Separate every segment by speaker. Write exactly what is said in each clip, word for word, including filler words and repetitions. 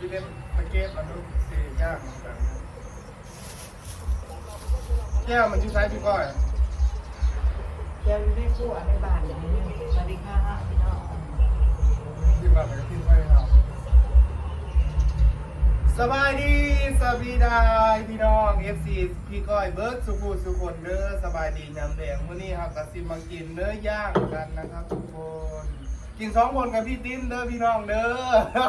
Speaker 1: พี่เล่นมาเก็บมันดูสียากเหมือนกันแก้วมันชื่อไซส์พี่ก้อย
Speaker 2: แก้วอยู่ในครัวในบ้านอย่างนี้สวัสดีค่ะพี่น้อง
Speaker 1: ที่บ้านมันก็ทิ้งไว้ให้เราสบายดีสวีดายพี่น้อง เอฟ ซี พี่ก้อยเบิร์ดสุขุสุขคนเด้อสบายดียำแดงมื้อนี้ครับกะสิมากินเนื้อย่างกันนะครับทุกคนกินสองคนกับพี่ติ้มเด้อพี่น้องเด้อ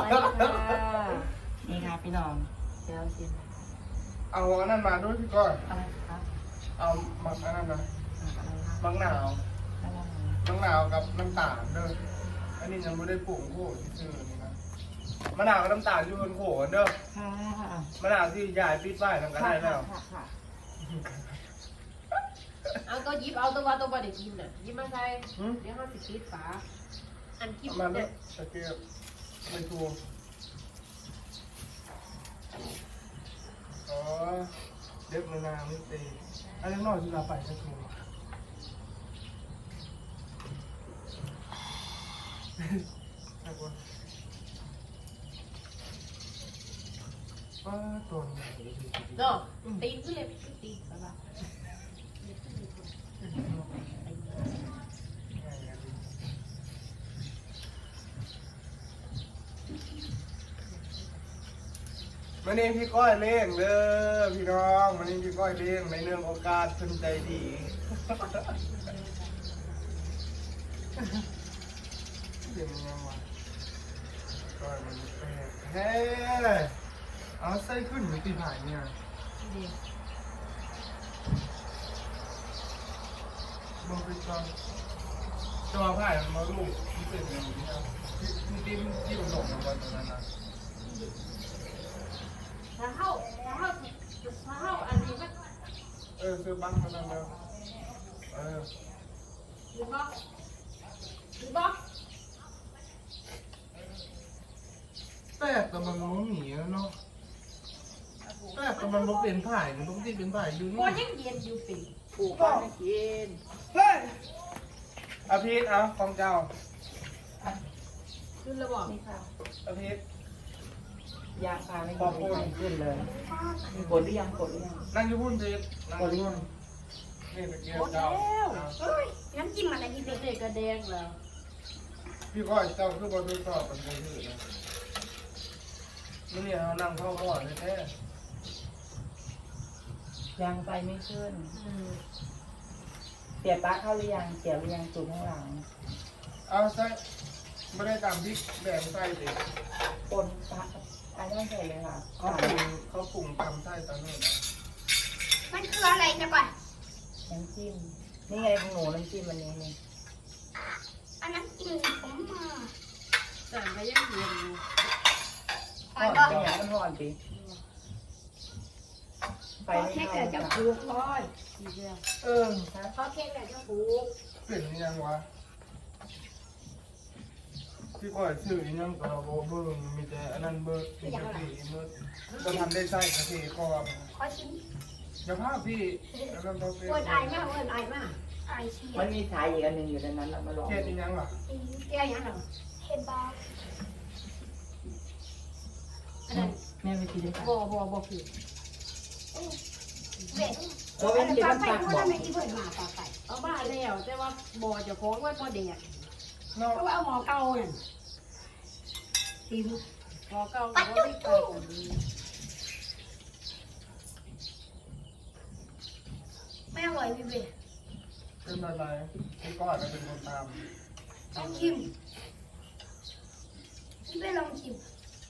Speaker 2: นี่ค่ะพี่น้องแก้วชิม
Speaker 1: เอาอันนั้นมาด้วยพี่ก้อย
Speaker 2: อะไรครับ
Speaker 1: เอามักอันนั้นนะ
Speaker 2: อะไรครับ
Speaker 1: มักหนาว
Speaker 2: อะไร
Speaker 1: มักหนาวกับน้ำตาลเด้ออันนี้ยังไม่ได้ปรุงโขดที่ชื่อนี่นะมะนาวกับน้ำตาลอยู่บนโขดเด้อ
Speaker 2: ค่ะ
Speaker 1: มะนาวที่ยายปิดไว้ทำกันได้แล้ว
Speaker 2: ค่ะค่ะ
Speaker 3: เอาตัวยิบเอาตัวว่าตัวบอดี้กินน่ะยิบมาใส่เดี๋ยวเขาสิคิดฝาอันกิน
Speaker 1: มาด้ว
Speaker 3: เนี่ย ย
Speaker 1: ตะเกียบไม่ถูกอ๋อเด็กมะนาวนี่ตีอันนี้น้อยที่เราไปจะถูกว่าตัวใหญ่ดี
Speaker 3: เนาะตีนขึ้นเลยตีนไปบ้า
Speaker 1: วันนี้พี่ก้อยเล่งเด้อพี่น้องวันนี้พี่ก้อยเล่งในเรื่องโอกาสสนใจดีเดี๋ยวมันยังวะก้อยมันแปลกเฮ้เอาไส้ขึ้นมีตีผ่านเนี่ยมึงไปก่อนตัวผ่านมันมาลูกที่เป็นอย่างนี้ครับที่ที่ที่มันหลงในวันนั้นนะ
Speaker 3: ถ้าเข้าถ้าเข้าถ้าเข้าอันนี้มัน
Speaker 1: เออซื้อบังมาแล้วเร็วเออ
Speaker 3: หรือบอกหรือบอก
Speaker 1: แต่แต่มันมันหนีแล้วเนาะแต่แต่มันมันเป็นผ่ายมันต้องที่เป็นผ่ายอยู่
Speaker 3: พอ
Speaker 1: นี่
Speaker 3: ยังเย็นอยู่ปี
Speaker 2: ปลูกบ้านไม่กิน
Speaker 1: เฮ้ยอาพีทเอาของเจ้า
Speaker 3: ขึ้นแล้วบอก
Speaker 2: นี่ค่ะ
Speaker 1: อาพีท
Speaker 2: ยาคาไม่กินไม่ขึ้นเลยกดหรือยังกดหรือยัง
Speaker 1: นั่งอยู่พุ่นพีท
Speaker 2: กดหรือยัง
Speaker 1: นี่ตะเกียบเจ้า
Speaker 4: เฮ้ยน้ำจิ้มอะไรกิน
Speaker 3: เด็กกระแดงแล้ว
Speaker 1: พี่ก้อยเจ้าคือบอลทดสอบมันเป็นที่นะนี่เขานั่งเข้าหม้อแท้
Speaker 2: ยังไปไม่ขึ้นเสียบปลั๊กเข้าหรือยังเสียบหรือยังจุดข้างหลัง
Speaker 1: เอาใส่ไม่ได้ตามพริกแดงใส่เลย
Speaker 2: ปนปลั๊กอันนี้ใส่เลยค่ะ
Speaker 1: เขาปรุงเขาปรุงตามไส้ตอนนี้นะ
Speaker 4: มันคืออะไรนะก่อน
Speaker 2: น้ำจิ้มนี่ไงของหนูน้ำจิ้มวันนี้นี่
Speaker 4: อันนั้นกินผมมา
Speaker 3: แต่ก็ยังเย็นอยู่
Speaker 4: ก่อ
Speaker 2: ห่อน น
Speaker 4: ก็
Speaker 2: เป็นอย่างมันห่อนดิไฟไม่
Speaker 4: แค่
Speaker 2: เข้า
Speaker 4: เกิดจะ
Speaker 2: จ้ะ
Speaker 4: ปลูกก้อย
Speaker 3: ทีเดียว
Speaker 1: เออ
Speaker 4: เพราะแค่เกิดจะปลูก
Speaker 1: เป็นยังวะพี่ก้อยชื่อยังก็โบเบิ้งมีแต่อันนั้นเบิร์ดมีแต่สีเบิร์ดก็ทำได้ไส้กะทิก็
Speaker 4: ขอชิม
Speaker 1: อย่าพาพี่แล้วก็ต้องเป็น
Speaker 4: เวิร์นไอมากเวิร์นไอมากไอเชีย
Speaker 2: มันมีสายอีกอันหนึ่งอยู่ในนั้นเรามาลอง
Speaker 1: เฮ็ดอีหยังล่ะ
Speaker 4: แก้ยังหรอเห็ดบา
Speaker 3: อันนั้น
Speaker 2: แม่ไม่กินได้ค่ะ
Speaker 3: บ่บ่บ่คือ
Speaker 4: เบ็ด
Speaker 2: เพราะเป็นกิน
Speaker 4: ปลา
Speaker 2: น้ำ
Speaker 4: ไก่
Speaker 2: ปลา
Speaker 4: เพ
Speaker 2: บ
Speaker 4: ราะ
Speaker 2: อก
Speaker 4: ทำไมกินเวิร์นมาปลาไก่
Speaker 3: เอาบ้านแล้วแต่ว่าบ่จะของไว้บ่แดง
Speaker 1: เนาะ
Speaker 4: เพราะว่าเอาหมอเก่าเนี่ยตีลูก
Speaker 3: พอเก่าก็บ่ได้เก่าอันนี้
Speaker 4: ไม่อร่อยพี่เบ็ด
Speaker 1: เป็นอะไรพี่ก้อยก็เป็นคนตาม
Speaker 4: ลองชิมพี่เบ็ดลองชิม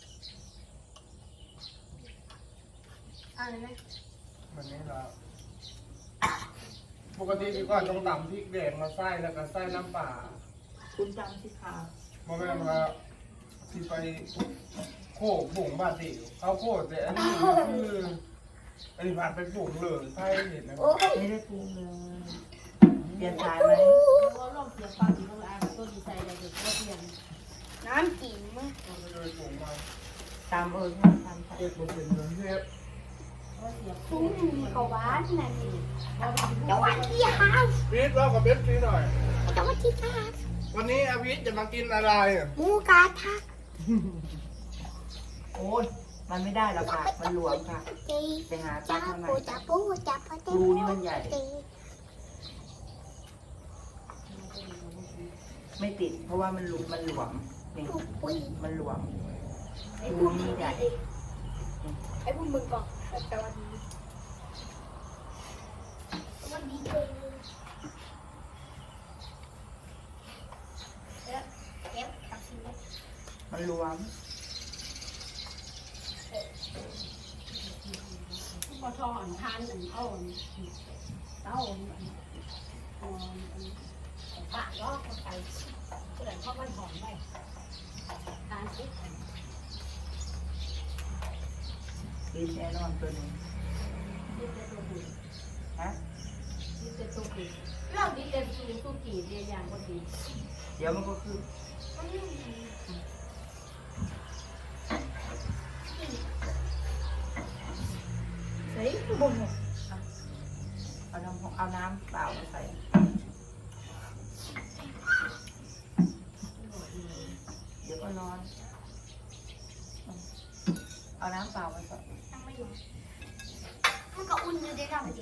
Speaker 4: อะไรนะ
Speaker 1: วันนี้ละปกติพี่ก้อยต้องตำพริกแดงมาไส้แล้วก็ไส้น้ำปลา
Speaker 2: คุณจำสิคะ
Speaker 1: บ่แม่นว่าที่ไปโคกบุ่งบาดดิเขาโคกแต่อันนี้คืออันนี้ผ่านไปบุ่งเลยไส้เห็นนะ
Speaker 4: โอ้ย
Speaker 2: ไม่ได้ปรุงเลยเปลี่ยนสายไหม
Speaker 3: เพราะลองเสียบปลาที่ต้องอ่านต้นดีใจได้เดี๋ยวบ่เปลี่ยน
Speaker 4: น้ำจิ้มมั้ย
Speaker 1: ก็เลยบุ่งมา
Speaker 2: ตามเออที่ทำ
Speaker 1: เก็บบุ่งเป็นเงินเทพ
Speaker 3: เพราะเสียบ
Speaker 4: ทุ่งเขาบ้านนั่นเอง
Speaker 3: บ่ได้
Speaker 4: สวัสดีครับ
Speaker 1: พีทเรากับเบสซีหน่อย
Speaker 4: สวัสดีครับ
Speaker 1: วันนี้อาวิทจะมากินอะไร
Speaker 4: หมูกระทะ
Speaker 2: โอ้ยมันไม่ได้หรอกค่ะมันหลวมค่ะไปหาปลั๊กมาใหม่
Speaker 4: จับปูจับปู
Speaker 2: รูนี่มันใหญ่ ไม่ติด เพราะว่ามันหลุมมันหลวมนี่มันหลวม
Speaker 4: ไอ้
Speaker 2: รู
Speaker 4: พวก
Speaker 2: นี่ใหญ่
Speaker 4: ไอ้พวกมึงก่อนแต่วันนี้วันนี้เจอแล้วเก็บตัดสิน
Speaker 2: มันหลวม
Speaker 4: พอทอนทานอันเอาเต้าอันปากลอกไปเกิดเพราะมันหอมไปทานสิ
Speaker 2: กินแน่นอนตัวนี้
Speaker 3: ดิเตตัวดี
Speaker 2: ฮะ
Speaker 3: ดิเตตัวดีเราดิเตสูงสู้กี่เรียอย่างก็ดี
Speaker 2: เดี๋ยวมันก็คือ
Speaker 4: เฮ้ยบุ้ง
Speaker 2: เอาน้ำเอาน้ำเปล่ามาใส่เดี๋ยวก็ร้อนเอาน้ำเปล่ามาใส่
Speaker 4: ยังไม่อยู่มันก็อุ่นอยู่ได้ทำจริง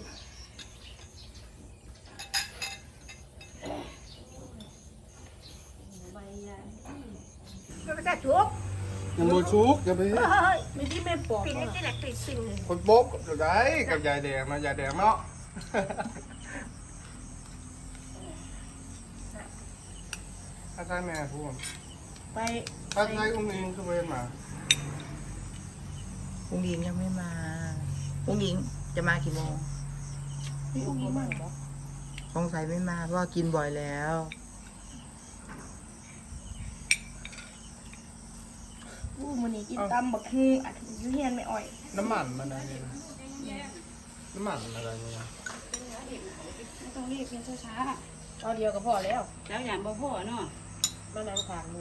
Speaker 3: ใบยา
Speaker 4: ไม่ไปจัดจุ๊บ
Speaker 1: ยังโมชุกอย่าไป
Speaker 4: เฮ้ยไม่ที่ไม่ปอกปิดเล็กที่แหลกปิดสิ่งเลย
Speaker 1: คนโบ๊กเดี๋ยวได้กับยายแดงนะยายแดงเนาะ ถ้าใช่แม่พูด
Speaker 2: ไป
Speaker 1: ถ้าใช่อุ้งอิงคือเวนมา
Speaker 2: อุ้งยิงยังไม่มาอุ้งยิงจะมากี่โมง
Speaker 4: มีอุ้งยิ้มมั้ง
Speaker 2: สงสัยไม่มาเพราะว่ากินบ่อยแล้ว
Speaker 4: อู้มันนี่กินตำบักฮูอัดยูเฮียนไม่อ่อย
Speaker 1: น้ำมันมันอะไรนะน้ำมันอะไรเนี่ยนะ
Speaker 4: ไม่ต้องรีบกินช้า
Speaker 3: เอาเดียวก็พอแล้ว
Speaker 5: แล้วอย่างบ่พ่อเนาะ
Speaker 3: มานั่งทานหมู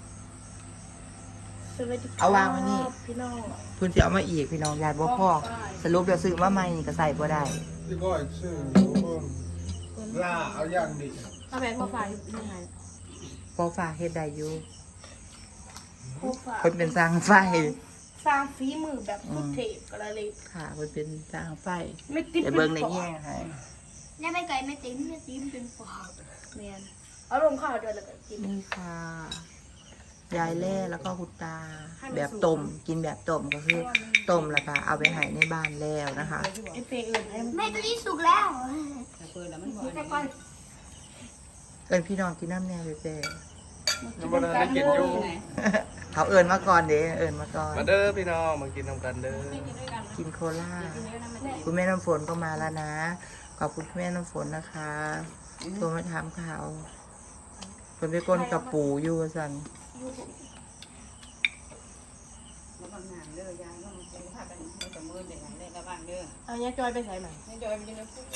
Speaker 4: ๆสวัสดี
Speaker 2: เอาวางไว้นี่
Speaker 4: พี่น้อง
Speaker 2: เพื่อนจะเอามาอีกพี่น้องญาติบ่พ่อสรุปแล้วซื้อมาใหม่นี่ก็ใส่บ่ได้
Speaker 1: พี่ก้อยชื่อล่าเอาอย่างดี
Speaker 3: เอาแม่มาฝากยังไง
Speaker 2: พอฝากเฮ็ดได้อยู่
Speaker 4: โคฝา
Speaker 2: เพิ่นเป็นสร้างไฟ
Speaker 4: สร้างฝีมือแบบพุทเทพกระเลย
Speaker 2: ค่ะเพิ่นเป็นสร้างไฟ
Speaker 4: ไม่ติด
Speaker 2: เดี๋ยวเบิ่งในแง่ให้
Speaker 4: เนี่ยไม่ไก่ไม่ติ้มไม่ติ้มเป็นฝาเนียนเอาลงข้าวด้วยแล้วก็กิน
Speaker 2: นี่ค่ะ ยายแล่แล้วก็คุณตา แบบต้มกินแบบต้มก็คือต้มแล้วก็เอาไปให้ในบ้านแล้วนะคะ
Speaker 4: ไอเฟย์อื่นแม่ตัวนี้สุกแล้ว
Speaker 5: แต่เปิดแล้วมันบ่
Speaker 4: แต่ก่อน
Speaker 2: เอิญพี่น้องกินน้ำแน่เลยเจ้
Speaker 1: น้ำมันได้กินอยู่
Speaker 2: เขาเอิญมาก่อนเด้เอิญมาก่อน
Speaker 1: มาเด้อพี่น้องมากินน้ำกันเด้อ
Speaker 2: กินโคลาคุณแม่น้ำฝนก็มาแล้วนะ ขอบคุณคุณแม่น้ำฝนนะคะโทรมาถามข่าวคนไปก้นกับปูอยู่สัน
Speaker 5: บ่บางนานเด้อยายเนาะมันพากันมันจะมือได้หยังได้ระวังเด้อ
Speaker 3: เอาเนี้ยจอยไปใส่ใหม่
Speaker 5: ให้จอยมันจะได้พูด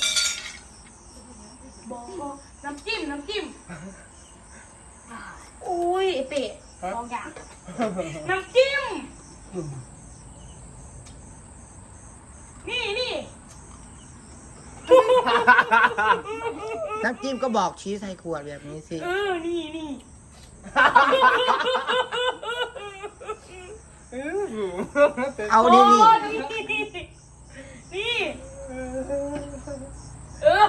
Speaker 4: บอกน้ำจิ้มน้ำจิ้มอุ้ยไอเป็ดสองอย่างน้ำจิ้มนี่นี่
Speaker 2: น้ำจิ้มก็บอกชี้ใส่ขวดแบบนี้สิ
Speaker 4: เออนี่นี่
Speaker 2: เอาดินี่
Speaker 4: นี่นี่เออ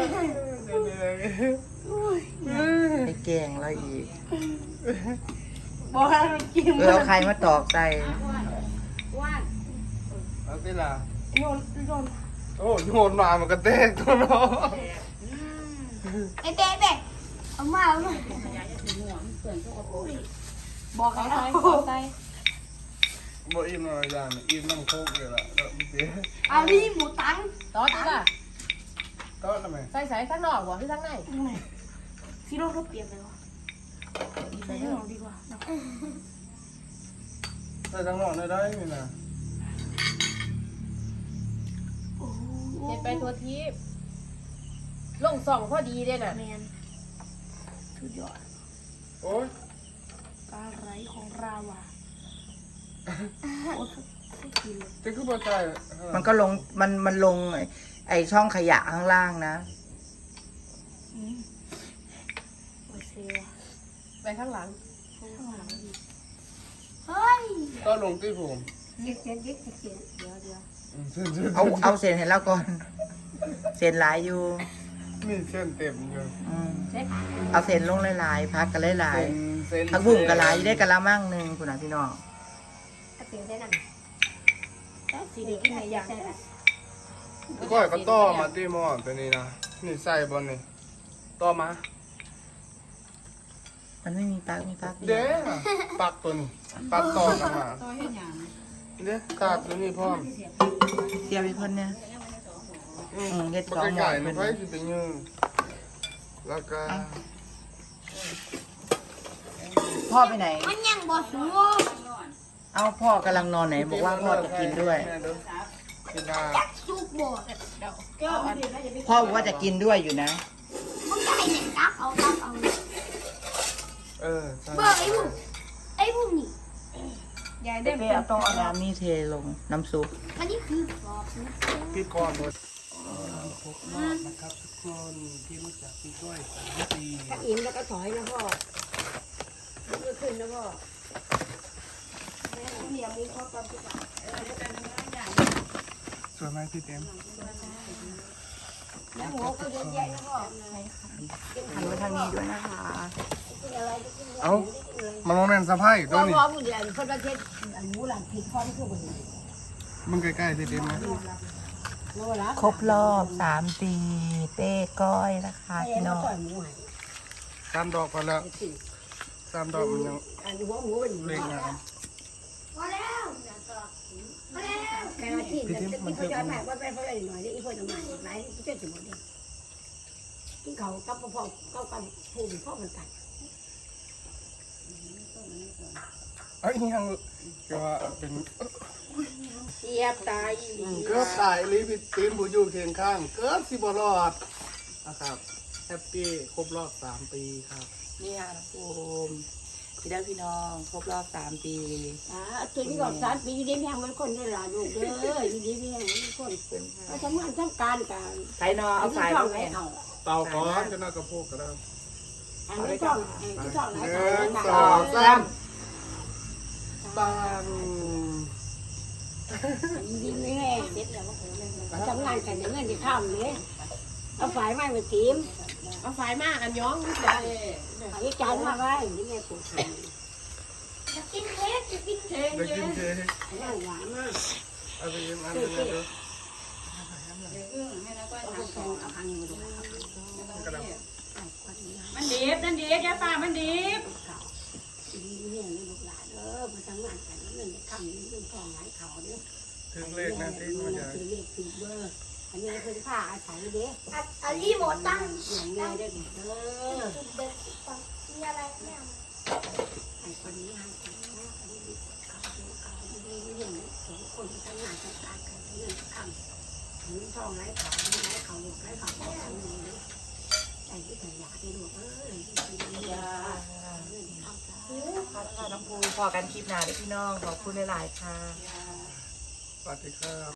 Speaker 2: ไปแกงเราอีก
Speaker 4: บอกให้น้ำจิ้ม
Speaker 2: เออเอาใครมาตอกใส่
Speaker 4: ว่าน
Speaker 1: เอาสิล่ะ
Speaker 4: โยนโยน
Speaker 1: โอ้โยนมามันก็เต้นตัวเนาะ
Speaker 4: ไอเป๊ะเป๊ะเอามาเอามา
Speaker 5: ยายจะสิหัวมันเปื้อนทุกคน
Speaker 4: บอก
Speaker 3: เอา
Speaker 4: ให้
Speaker 3: ใส่
Speaker 4: เอา
Speaker 3: เอาใส่
Speaker 1: บ่อิ่มอะไรอย่างอิ่มน้ำโคกเลยล่ะแล้วพี่เจ๊
Speaker 4: เอาที่หมูตัง
Speaker 3: ต่อจ้ะ
Speaker 1: ก็ทำไม
Speaker 3: ใส่ใส่ข้างนอกบ่หรือข้างใน
Speaker 4: ซีโร่เขาเปลี่ยนไปวะใส่ข้างนอกดีกว่า
Speaker 1: ใส่ทั้งหมดได้ได้ไหมนะ
Speaker 3: เห็นไปทัวทีบลงสองพอดีเด้น่ะ
Speaker 4: แมนสุดยอด
Speaker 1: โอ้ย
Speaker 4: ปลาไหลของเราอ่ะโอ้ยกินเลย
Speaker 1: จะคือบ่ใจ
Speaker 2: มันก็ลงมันมันลงไอ้ไอช่องขยะข้างล่างนะ
Speaker 4: อืมโอ้ยเซลล์
Speaker 3: ไปข้างหลัง
Speaker 4: ข้างหลังดีเฮ้ย
Speaker 1: ก็ลงที่ผม
Speaker 4: เด็กเสียเด็กเสียเดี๋ยวเดี๋ยว
Speaker 1: อืมเส้นเส้น
Speaker 2: เอาเอาเส้นให้เราก่อนเส้นหลายอยู่
Speaker 1: มีเส้นเต็มอยู่
Speaker 2: อืม
Speaker 4: เซ็ต
Speaker 2: เอาเส้นลงหลายๆพักกันหลาย
Speaker 1: เส้นเส้น
Speaker 2: ๆผักบุ้งกะหลายอยู่ได้กะละมั่งหนึงคุณน่ะพี่น้อง
Speaker 4: ถ้าเสียได้นั่นแต่สีเด็กที่ไหนอยากใช่ไหม
Speaker 1: ก้อยก็ต่อมาที่หม้อตัวนี้นะนี่ใส่บนนี่ต่อมา
Speaker 2: มันไม่มีปลั๊กมีปลั๊ก
Speaker 1: เด้ปักตัวนี้ปักต่อกันมา
Speaker 5: ตัวเฮ็ดหยัง
Speaker 1: เด้กาดตัวนี้พร้อม
Speaker 2: เสียบอีกคนเนี่ย
Speaker 1: อืม
Speaker 2: อืมเฮ็ด
Speaker 1: มัน
Speaker 2: สองหม้อ
Speaker 1: ไก่มันไฟสิเป็นยืงแล้วก็
Speaker 2: พ่อไปไหน
Speaker 4: มันยังบ่สูง
Speaker 2: เอาพ่อกำลังนอนไหนบอกว่าพ่อจะกินด้วย
Speaker 1: แม่เด้อกินได้
Speaker 4: สุกบ่เจ้าอันนี้
Speaker 2: พ่อบอกว่าจะกินด้วยอยู่นะ
Speaker 4: มันได้เนี่ยตักเอาตักเอา
Speaker 1: เออใช่
Speaker 4: เบอร์ไอ้บุ้งไอ้บุ้งนี่ยาย
Speaker 2: เด็
Speaker 4: ได้
Speaker 2: กเอาต้องเอาน้ำนี่เทลงน้ำซุป
Speaker 4: อันนี้คือปอบนะ
Speaker 1: พี่ก้อนหมดพกรอบนะครับทุกคนที่รู้จักพี่ก้อยสามปี
Speaker 4: ถ้าอิ่มแล้วก็ถอยนะพ่อมันก็ขึ้นนะพ่อแม่เหนียวมีข้อความที่ว่า
Speaker 1: สวยไหมพี่เต็ม
Speaker 4: แล้วหัวก็เยอะแยะนะพ่อ
Speaker 2: หันไปทางนี้ด้วยนะคะ
Speaker 4: กินอะไรก็กิน
Speaker 1: เอ้ามาลองเล่นสะพายตัวนี้
Speaker 4: พ่อผู้เรียนคนประเทศอันนู้นหลังผิดพ่อที่คือคนนี้
Speaker 1: มึงใกล้ๆพี่เต็มนะ
Speaker 4: โน่นละ
Speaker 2: ครบรอบสามปีเป้ก้อยนะคะ
Speaker 4: ไอ้
Speaker 2: พี่
Speaker 4: น้
Speaker 2: น้
Speaker 4: อ
Speaker 2: อง ง
Speaker 4: ต่อยหมูหาย
Speaker 1: สามดอกพอแล้วสามดอกมันยัง
Speaker 4: อันหัวหมูเป็นหมู
Speaker 1: เล็กนะ
Speaker 4: พอแล้วพอแล้วแค่ที่จะที่เขาจะแม่ว่าไปเขาเลยหน่อยอีพ่อจะมาหลายที่เจ้าสมุนเนี่ยที่เขากับพ่อเขากับผู้พ่อมันกัน
Speaker 1: เอ้ยยังก็ว่าเป็น
Speaker 4: เสียบตาย
Speaker 1: เกือบตายลิพี่เต็มผู้อยู่เคียงข้างเกือบสิบรอดนะครับแฮปปี้ครบรอบสามปีครับ
Speaker 2: นี่ค่ะน้องภูมิพี่ได้พี่น้องครบรอบสามปี
Speaker 4: อ่าตัวนี้ก็สารปีอยู่ดีแม่งมันคนได้หลายลูกเด้ออยู่ดีแม่งมันคนเขาทำงานทำการกัน
Speaker 2: ใส่นอเอาสาย
Speaker 4: ช่
Speaker 2: ล
Speaker 4: อง
Speaker 2: ง
Speaker 4: ไหน
Speaker 2: เนี่ย
Speaker 4: เอา
Speaker 1: เตาก้อนก็น่ากระโพกก็ได้
Speaker 4: อันนี้ช่องอันนี้ช่องไหน
Speaker 1: ห
Speaker 4: ช่
Speaker 1: นึ่
Speaker 4: อง
Speaker 1: ง
Speaker 4: ไหน
Speaker 1: สองสามปัง
Speaker 4: ดีแม่ทำงานกันเงินที่ข้ามเลยเอาฝ่ายไม้มาตีม
Speaker 3: เอาไฟมาอันย้องใจ
Speaker 4: อันนี้จานมาไว้ที่แม่ปลูกจะกินเค้กจะกินเค้ก
Speaker 1: ได้กินเค้ก
Speaker 4: นั่งหวานมาก
Speaker 1: เอาไปยิ้มอันนึงนะดู
Speaker 5: ให้แล้วก็
Speaker 4: เอาไปเอาพังมาดู
Speaker 1: กระดับ
Speaker 5: มันดิบนั่นดิบยาฟ้ามันดิบ
Speaker 4: ดีแม่ลูกหลานเออมาทำงานกันเงินข้ามเงินทองหลายเขาเนี่ย
Speaker 1: ถึงเลขนะที่มาจาก
Speaker 4: ถือเลขถือเบอร์อันนี้เป็นผ้าอาศัยเด้อันนี้หมดตั้งอย่างเงี้ยได้เด้อมีอะไรแม่ไอ้คนนี้ให้คนนี้อันนี้เขาเขาดีเห็นสองคนทำงานทำการกันเงินข้ามเงินทองหลายเขาหลายเขาหลายเขาเขาทำเงินเลยไอ้ที่ขยะที่หลวงเออที่ยา
Speaker 2: ค่ะน้องภูมิพอกันคลิปหน้าเด้อพี่น้องขอบคุณหลายๆค่ะ
Speaker 1: สวัสดีครับ